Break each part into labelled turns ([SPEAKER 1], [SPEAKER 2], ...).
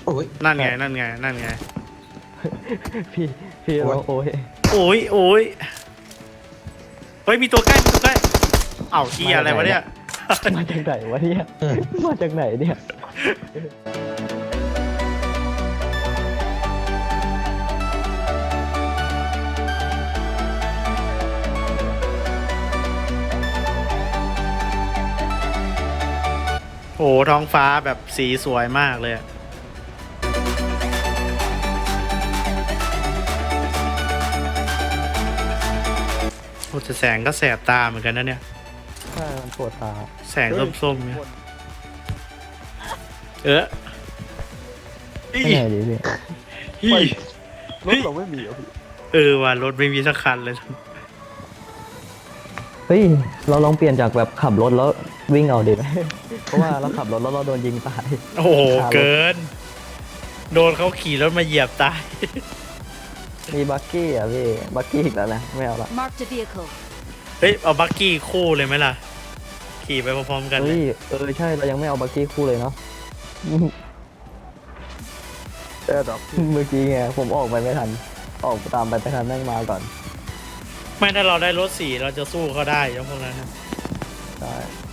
[SPEAKER 1] โอ้ย
[SPEAKER 2] นั่นไงนั่นไงนั่นไง
[SPEAKER 3] พี่พี่เราโอ้ย
[SPEAKER 2] โอ้ยโอ้ยเฮ้ยมีตัวใกล้มีตัวใกล้เอ้าเฮียอะไรวะเนี่ย
[SPEAKER 3] มาจากไหนวะเนี่ยมาจากไหนเนี่ย
[SPEAKER 2] โอ้ท้องฟ้าแบบสีสวยมากเลยอะโอ้แต่แสงก็แสบตาเหมือนกันนะเนี่ย
[SPEAKER 3] ใช่มันปวดตา
[SPEAKER 2] แสงส้มๆเนี่ยอี
[SPEAKER 3] ไม่ไหนดีพี่
[SPEAKER 2] อี
[SPEAKER 1] รถเราไม่มีอ่ะพี่
[SPEAKER 2] ว่ารถไม่มีสักคันเลย
[SPEAKER 3] เฮ้ยเราลองเปลี่ยนจากแบบขับรถแล้ววิ่งเอาดีไหม เพราะว่าเราขับรถแล้วเราโดนยิงตาย
[SPEAKER 2] โอ้โหเกิน โดนเขาขี่รถมาเหยียบตาย
[SPEAKER 3] มีบักกี้อ่ะพี่บักกี้อีกแล้วนะไม่เอาละ
[SPEAKER 4] Marked a vehicle.
[SPEAKER 2] เฮ้ยเอาบักกี้คู่เลยไหมล่ะ ขี่ไปพร้อมๆกันเล
[SPEAKER 3] เฮ้
[SPEAKER 2] ย
[SPEAKER 3] ยใช่เรายังไม่เอาบักกี้คู่เลยเนาะ
[SPEAKER 1] แอร์ดับ
[SPEAKER 3] เมื่อกี้ไงผมออกไปไม่ทัน ออกตามไปไม่ทันแม่งมาก่อน
[SPEAKER 2] ไม่ถ้าเราได้รถสีเราจะสู้เขาได้ยังพวกนั้นนะ
[SPEAKER 3] ใช่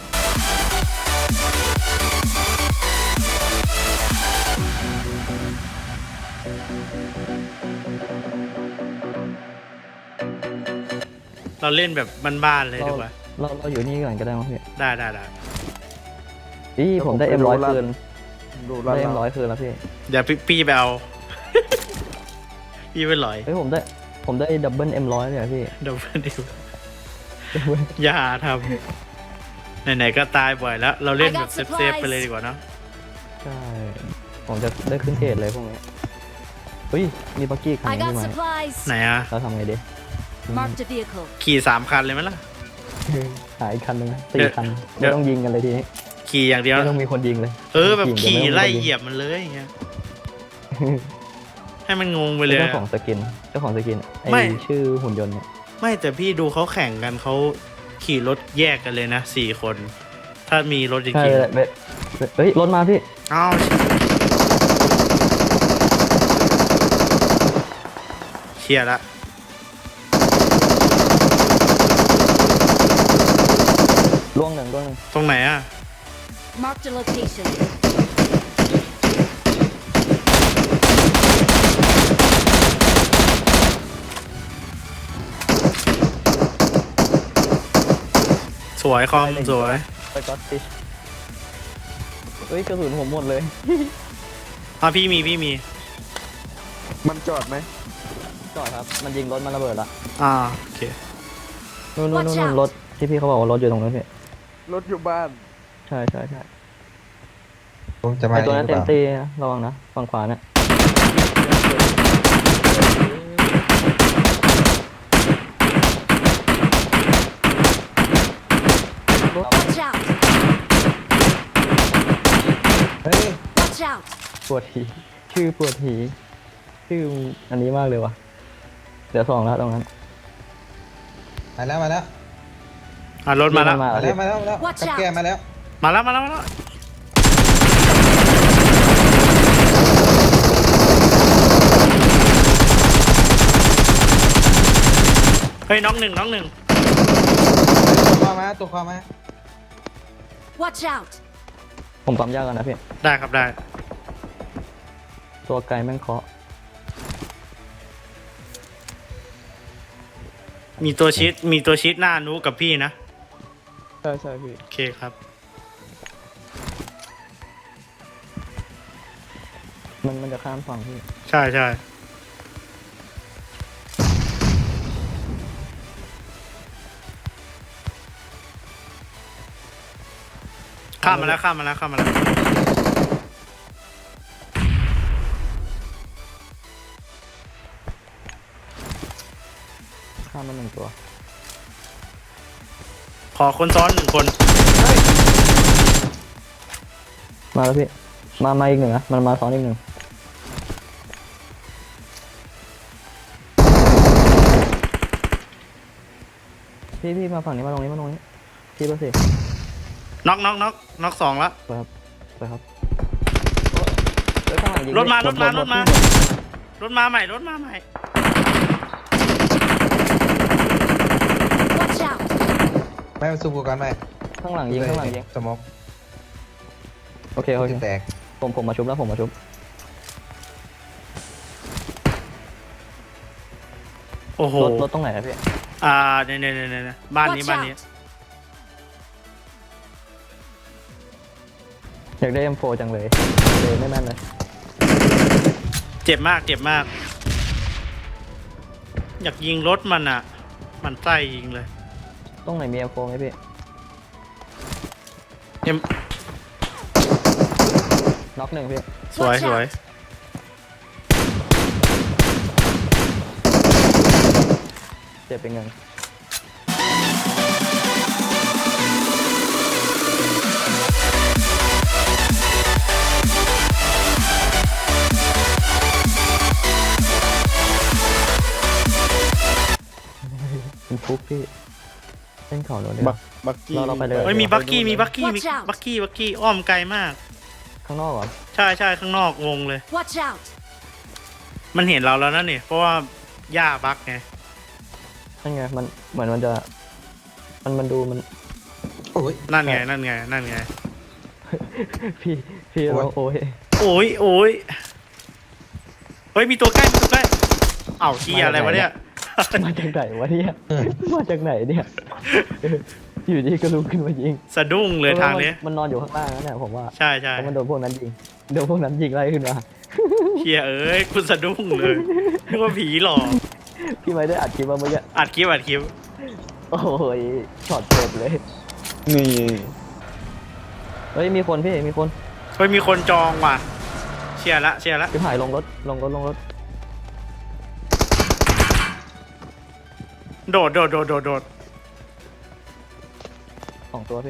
[SPEAKER 2] เราเล่นแบบบ้านๆเลยดีกว่า
[SPEAKER 3] เราอยู่นี่ก่อนก็ได้มั้งพี่
[SPEAKER 2] ได้
[SPEAKER 3] พี่ผมได้M100คืน
[SPEAKER 1] ดูร้าน
[SPEAKER 3] ได้
[SPEAKER 1] เรา
[SPEAKER 3] M100คืนแล้วพี่
[SPEAKER 2] เดี๋ยวพี่ไปเอา พี่ไปหลอย
[SPEAKER 3] เฮ้ยผมได้ดับเบิลM100เลยอะพี่
[SPEAKER 2] เดี๋ยวเดี๋ยวอย่าทำไหนๆก็ตายบ่อยแล้ว เราเล่นแบบเซฟๆไปเลยดีกว่าเนอะ
[SPEAKER 3] ใช่ ผมจะได้ขึ้นเกรดเลยพวกนี้เฮ้ยมีบักกี้คัน
[SPEAKER 4] I
[SPEAKER 3] นึง
[SPEAKER 4] got
[SPEAKER 3] พี่ไหม
[SPEAKER 4] supplies.
[SPEAKER 2] ไหนอะ
[SPEAKER 3] เราทำไงดี
[SPEAKER 4] Marked a vehicle.
[SPEAKER 2] ขี่3 คันเลยไหมล่ะ
[SPEAKER 3] หาอีกคันนึงนะ
[SPEAKER 2] เดี๋ยว
[SPEAKER 3] 4 คัน
[SPEAKER 2] เดี๋ยว
[SPEAKER 3] ไม่ต้องยิงกันเลยทีนี้
[SPEAKER 2] ขี่อย่างเดียว
[SPEAKER 3] ไม่ต้องมีคนยิงเลย
[SPEAKER 2] แบบขี่
[SPEAKER 3] ดี๋วม่ต้องมี
[SPEAKER 2] ไล่
[SPEAKER 3] คนง
[SPEAKER 2] เหยียบมันเลยอย่างเงี้ย ให้มันงงไปเลย
[SPEAKER 3] เจ้า
[SPEAKER 2] อะ
[SPEAKER 3] ของสกิน
[SPEAKER 2] ไม่
[SPEAKER 3] ไอชื่อหุ่นยนต์เนี่ย
[SPEAKER 2] ไม่แต่พี่ดูเขาแข่งกันเขาขี่รถแยกกันเลยนะ4 คน ถ้ามีรถจ
[SPEAKER 3] ใช่
[SPEAKER 2] ริง
[SPEAKER 3] เฮ้ยรถมาพี่
[SPEAKER 2] ๆอ้าวเชียร์ละ
[SPEAKER 3] ล่วงหนึ่ง
[SPEAKER 2] ตรงไหนอะ
[SPEAKER 4] Marked a location.
[SPEAKER 2] สวยคอมสวย
[SPEAKER 3] ไปก็อตติชเฮ้ยกระสุนผมหมดเลย
[SPEAKER 2] พี่มี
[SPEAKER 1] มันจอดไหม
[SPEAKER 3] จอดครับ มันยิงรถมันระเบิดละ
[SPEAKER 2] โอเค
[SPEAKER 3] นู่น
[SPEAKER 4] Watch out
[SPEAKER 3] รถที่พี่เขาบอกว่ารถอยู่ตรงนั้นพี่
[SPEAKER 1] รถอยู่บ้าน
[SPEAKER 3] ใช่
[SPEAKER 5] ผมจะ
[SPEAKER 3] ไอ
[SPEAKER 5] มา
[SPEAKER 3] ตัว
[SPEAKER 5] เอ
[SPEAKER 3] นั้
[SPEAKER 5] ง
[SPEAKER 3] น
[SPEAKER 5] หรือ
[SPEAKER 3] เต็
[SPEAKER 5] เป
[SPEAKER 3] ม
[SPEAKER 5] ล่า
[SPEAKER 3] ตีระวังนะฝั่งขวาเนี่ย
[SPEAKER 4] Watch out.
[SPEAKER 5] เฮ้ย
[SPEAKER 4] Watch out.
[SPEAKER 3] ปวดหีชื่อปวดหีชื่ออันนี้มากเลยวะเดี๋ยว2แล้วตรงนั้น
[SPEAKER 5] มาแล้ว
[SPEAKER 2] รถมาแล้ว
[SPEAKER 3] มาแล้ว
[SPEAKER 5] มาแล้ว
[SPEAKER 4] Watch
[SPEAKER 5] กับ
[SPEAKER 4] out
[SPEAKER 5] แกมาแล้ว
[SPEAKER 2] มาแล้วเฮ้ยน้องหนึ่ง
[SPEAKER 5] ตัวคอมา
[SPEAKER 4] Watch out.
[SPEAKER 3] ผมปั๊มยากกันนะพี่
[SPEAKER 2] ได้ครับได้
[SPEAKER 3] ตัวไกลแม่งเคาะ
[SPEAKER 2] มีตัวชิดหน้านุกับพี่นะ
[SPEAKER 3] ใช่พี่
[SPEAKER 2] โอเคครับ
[SPEAKER 3] มันจะข้ามฝั่งพี่
[SPEAKER 2] ใช่ข้ามมาแล้ว
[SPEAKER 3] ข้ามมา1 ตัว
[SPEAKER 2] ขอคนซ้อน1 คน
[SPEAKER 3] มาแล้วพี่มาอีก 1นะมันมาซ้อนอีก 1พี่มาฝั่งนี้มาตรงนี้พี่เบอร์สี่
[SPEAKER 2] น็อก2แล้ว
[SPEAKER 3] ไปครับเฮ้ยข้างหลังยิง
[SPEAKER 2] รถมารถมาร
[SPEAKER 3] ร
[SPEAKER 2] ถมารถมาใหม่รถมาใหม่
[SPEAKER 4] Watch out!
[SPEAKER 5] ไม่มาสู้กูกันไหม
[SPEAKER 3] ข้างหลังยิงข้างหลังยิง
[SPEAKER 5] สมอง
[SPEAKER 3] โอเคโอเค
[SPEAKER 5] แตก
[SPEAKER 3] ผมมาชุบแล้วผมมาชุบ
[SPEAKER 2] โอ้โห
[SPEAKER 3] รถตรงไหนอะพี่
[SPEAKER 2] เนี่ยบ้านนี้
[SPEAKER 4] Watch
[SPEAKER 2] บ้านนี้
[SPEAKER 4] out!
[SPEAKER 3] อยากได้ M4 จังเลยไม่แม่นเลย
[SPEAKER 2] เจ็บมากเจ็บมาก อยากยิงรถมันอ่ะ มันไส้ยิงเลย
[SPEAKER 3] ตรงไหนมี M4 ไหมพี่
[SPEAKER 2] เอ็ม
[SPEAKER 3] น็อกหนึ่งพี่
[SPEAKER 2] สวย
[SPEAKER 4] Watch
[SPEAKER 2] สวย
[SPEAKER 4] out!
[SPEAKER 3] เจ็บเป็นเงินเป็นฟุกพี่เล่นเข่าเราเลย
[SPEAKER 1] บักกี้
[SPEAKER 3] เราไปเลย
[SPEAKER 2] เฮ้ยมีบักกี้มีบักกี้
[SPEAKER 4] Watch out
[SPEAKER 2] บักกี้อ้อมไกลมาก
[SPEAKER 3] ข้างนอกเหรอ
[SPEAKER 2] ใช่ใช่ข้างนอกวงเลย
[SPEAKER 4] Watch out!
[SPEAKER 2] มันเห็นเราแล้วนะเนี่ยเพราะว่าหญ้าบักไง
[SPEAKER 3] นั่นไงมันเหมือนมันจะมันดูมัน
[SPEAKER 5] โอ้ย
[SPEAKER 2] นั่นไงนั่นไงนั่นไง
[SPEAKER 3] พี่
[SPEAKER 5] โอ้ย
[SPEAKER 3] เราโอ้ย
[SPEAKER 2] โอ้ยโอ้ยเฮ้ยมีตัวใกล้มีตัวใกล้เอ้าที่อะไรวะเนี่ย
[SPEAKER 3] มาจากไหนวะเนี่ยมาจากไหนเนี่ยอยู่ดีก็ลุกขึ้นมายิง
[SPEAKER 2] สะดุ้งเลยทางนี้
[SPEAKER 3] มันนอนอยู่ข้างล่างนั่นแหละผมว่า
[SPEAKER 2] ใช่ใช่
[SPEAKER 3] เพราะมันโดนพวกนั้นยิงไล่ขึ้นมา
[SPEAKER 2] เฮียเอ้ยคุณสะดุ้งเลยนึกว่าผีหลอก
[SPEAKER 3] พี่ไม่ได้อัดคลิปมาเมื่อกี้
[SPEAKER 2] อัดคลิป
[SPEAKER 3] โอ้ยช็อตเจ็บเลย
[SPEAKER 1] นี่
[SPEAKER 3] เฮ้ยมีคนพี่มีคน
[SPEAKER 2] เฮ้ยมีคนจองว่ะเชียร์ละ
[SPEAKER 3] พี่หายลงรถ
[SPEAKER 2] โดด
[SPEAKER 3] สองตัวพี่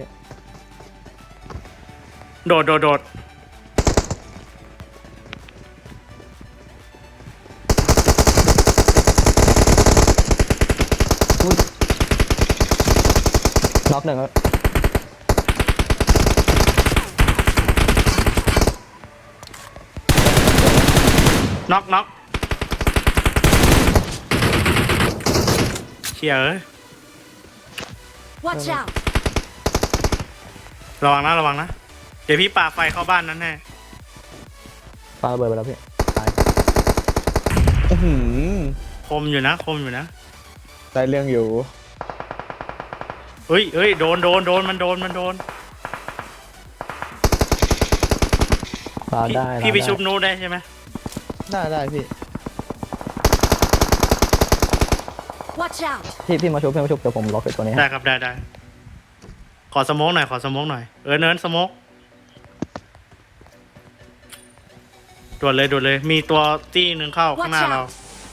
[SPEAKER 2] โดด
[SPEAKER 3] น็อกหนึ่งแล้ว
[SPEAKER 2] น็อกเชียร์เอ้ย
[SPEAKER 4] Watch out!
[SPEAKER 2] ระวังนะ เดี๋ยวพี่ปาไฟเข้าบ้านนั้นแน่
[SPEAKER 3] ปาระเบิดไปแล้วพี่ตาย
[SPEAKER 2] คมอยู่นะ
[SPEAKER 1] ได้เรื่องอยู่
[SPEAKER 2] เฮ้ยโดนมันโดน
[SPEAKER 3] ปาได้
[SPEAKER 2] พี่ไป
[SPEAKER 3] ได้
[SPEAKER 2] ชุบนูได้ใช่ไหม
[SPEAKER 1] ได้พี่
[SPEAKER 4] Watch out!
[SPEAKER 3] พี่มาชุบเดี๋ยวผมล็อกไอ้ตัวนี้
[SPEAKER 2] ได้
[SPEAKER 3] ให้
[SPEAKER 2] ครับได้ขอสโมกหน่อยเนินสโมกด่วนเลย มีตัวตี้หนึ่งเข้าข้างหน้า
[SPEAKER 4] Watch out
[SPEAKER 2] เรา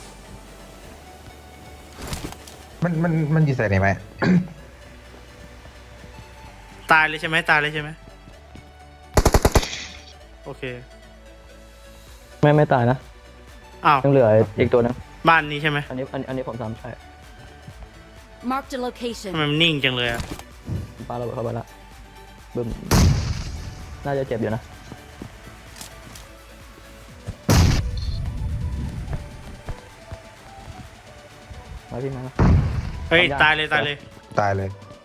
[SPEAKER 5] มันอยู่ใส่ไหนไหม
[SPEAKER 2] ตายเลยใช่ไหมโอเค
[SPEAKER 3] ไม่ตายนะ
[SPEAKER 2] อ้าว
[SPEAKER 3] ยังเหลืออีกตัวนึง
[SPEAKER 2] บ้านนี้ใช่ไหม
[SPEAKER 3] อันนี้ผมซ้ำใช่
[SPEAKER 4] Marked a
[SPEAKER 2] ทำ
[SPEAKER 4] location.
[SPEAKER 2] ไมมันนิ่งจังเลยอะ
[SPEAKER 3] ปาระเบิดเข้าไปละบึ้มน่าจะเจ็บอยู่นะมาพี่มา
[SPEAKER 2] เฮ้ย
[SPEAKER 3] ทำยาก
[SPEAKER 2] ตายเลย
[SPEAKER 5] ตายเลย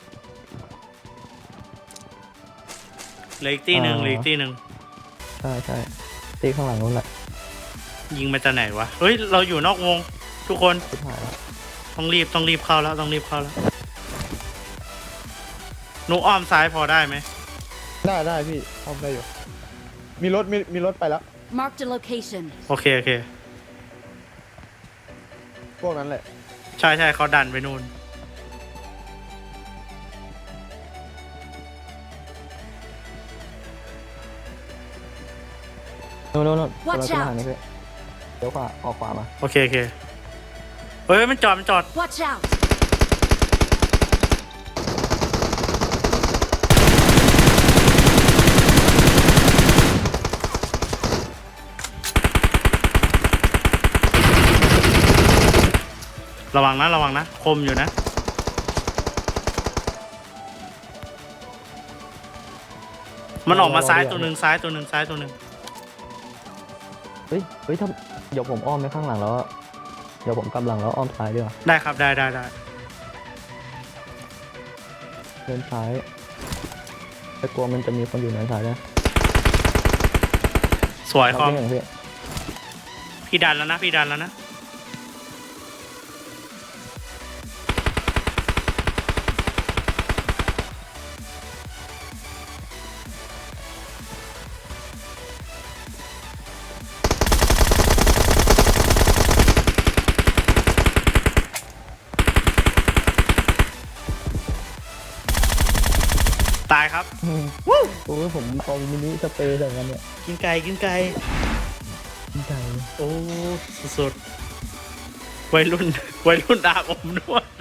[SPEAKER 2] เหลืออีกตี้หนึ่ง
[SPEAKER 3] ใช่ตีข้างหลังนู้นแหละ
[SPEAKER 2] ยิงมาจากไหนวะเฮ้ยเราอยู่นอกวง ทุกคน
[SPEAKER 3] ชิบหายแล้ว
[SPEAKER 2] ต้องรีบเข้าแล้วหนูอ้อมซ้ายพอได้ไหม
[SPEAKER 1] ได้พี่อ้อมได้อยู่ มีรถไปแล้ว
[SPEAKER 4] Marked a location.
[SPEAKER 2] โอเค
[SPEAKER 1] พวกนั้นแหละ
[SPEAKER 2] ใช่เขาดันไปนู่น
[SPEAKER 3] นู่นเรา
[SPEAKER 4] Watch
[SPEAKER 3] ขึ้น
[SPEAKER 4] out
[SPEAKER 3] ทางนี้พี่เดี๋ยวขวาออกขวามา
[SPEAKER 2] โอเคเฮ้ยมันจอด
[SPEAKER 4] Watch out!
[SPEAKER 2] ระวังนะคมอยู่นะ มันออกมาซ้ายตัวหนึ่ง
[SPEAKER 3] เฮ้ยเฮ้ยถ้าเดี๋ยวผมอ้อมไปข้างหลังแล้วเดี๋ยวผมกำลังแล้วอ้อมซ้ายดีกว่า
[SPEAKER 2] ได้ครับได้ได้ได้
[SPEAKER 3] เดินซ้ายแต่กลัวมันจะมีคนอยู่ในซ้ายนะ
[SPEAKER 2] สวยคอม
[SPEAKER 3] อย่างพี่
[SPEAKER 2] พี่ดันแล้วนะพี่ดันแล้วนะ ตายครับ
[SPEAKER 3] โอ้ยผมเอามินิสเปรย์ใส่กันเนี่ย
[SPEAKER 2] กินไก่กินไก่
[SPEAKER 3] ดีใจ
[SPEAKER 2] โอ้สุดๆวัยรุ่นวัยรุ่นอาบอบนวด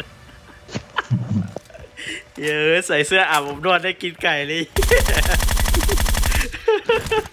[SPEAKER 2] เยอะใส่เสื้ออาบอบนวดได้กินไก่เลย